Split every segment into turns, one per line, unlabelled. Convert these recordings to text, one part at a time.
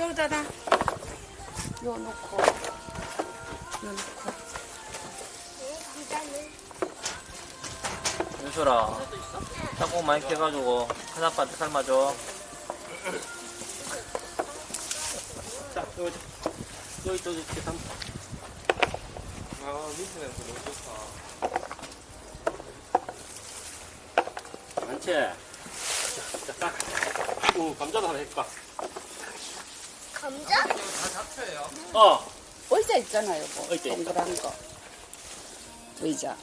여기다가 요 놓고 요 놓고.
윤설아, 땅콩 많이 캐가지고 한 아빠한테 삶아줘. 자, 여기 이렇게 삶.
아, 민트 냄새 너무 좋다.
많지? 자, 딱. 감자도 하나 해줄까?
감자?
다 잡혀요.
의자 있잖아요, 뭐.
의자 있다.
동그란 거. 의자.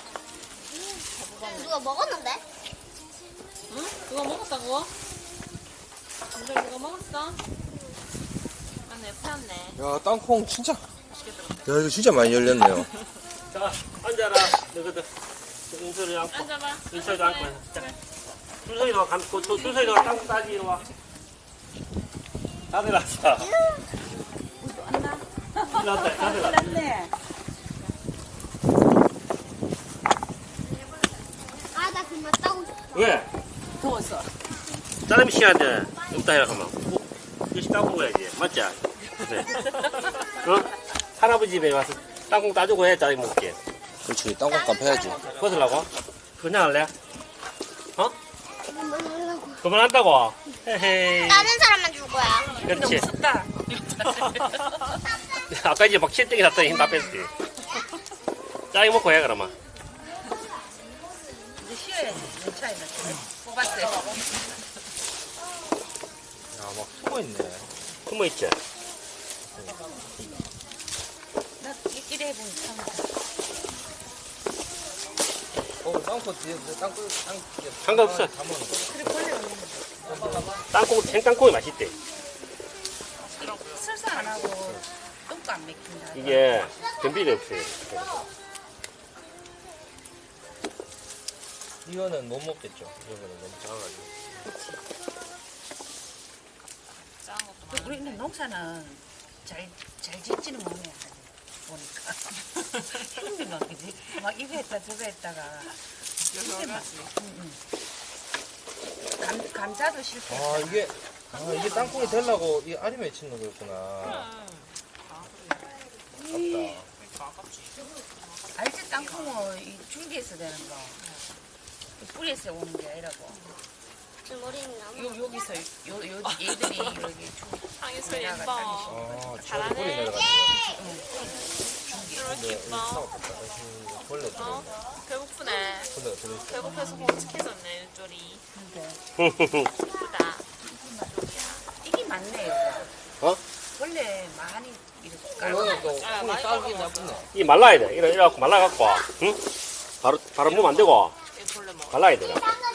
누가 먹었는데?
응? 누가 먹었다고? 감자 누가 먹었어? 맞네, 풀었네.
야, 땅콩 진짜. 야, 이거 진짜 많이 열렸네요.
자, 앉아라. 너희들. 윤설이 앉고.
앉아봐.
윤설이도 앉고. 자, 준석이도 감고, 준석이도 땅콩 따지, 이리 와. 다 들어왔어. 들어왔다, 다 들어왔다.
네.
아, 나 그만 따고 싶어.
왜?
더웠어.
짜장면 씨한테 없다 해라 하면 일시 땅콩 가야지 맞지? 그래. 어? 할아버지 집에 와서 땅콩 따주고 해 짜장면 먹게
그렇지, 땅콩값 해야지.
벗으려고? 그냥 할래? 어?
그만하려고.
그만한다고? 헤헤이
다른 사람만 줄 거야.
그렇지
춥다.
아까 이제 막 실등이 났더니 힘 다 뺐지 짜장 먹고 해 그러면
이제 쉬어야지. 괜찮아. 뽑았어요.
야, 막 숨어있네.
숨어있지?
나 끼끼리 해보면 참.
땅콩 뒤에, 땅콩.
상관없어.
다 먹는 거.
그래, 벌레 없는 거.
땅콩 생땅콩이 맛있대
설사 안 하고 똥도 안 맥힌다.
이게 변비가 없어요
이거는 못 먹겠죠. 이거는 너무 작아가지고.
작은 것도 많이.
우리는 농사는 잘 짓지는 못해. 보니까. 힘들어, 그지? 막 이거 했다 저거 했다가. 근데 막, 감자도 실패.
이게 땅콩이 되려고 이 알이 맺히는 거였구나. 아깝다.
알지 땅콩은 이 줄기에서 되는 거. 이 뿌리에서 오는 게 아니라고.
제 머리는 나무.
여기서 얘들이 여기
상이 소리
내려가
예뻐.
아,
잘하네.
저기 내려가는 거.
이렇게
근데
예뻐.
이거 벌레 들어.
어? 배고프네.
벌레 들어.
배고파서 홀쭉해졌네, 윤조리.
근데
예쁘다.
이게 많네 여기.
어?
원래 많이 이렇게 깔고.
이거는 또
아,
콩이
많이
딸기
먹어.
나쁘네.
이 말라야 돼 이래갖고 말라갖고 응? 바로 먹으면 안 되고
이 벌레 먹어.
말라야 돼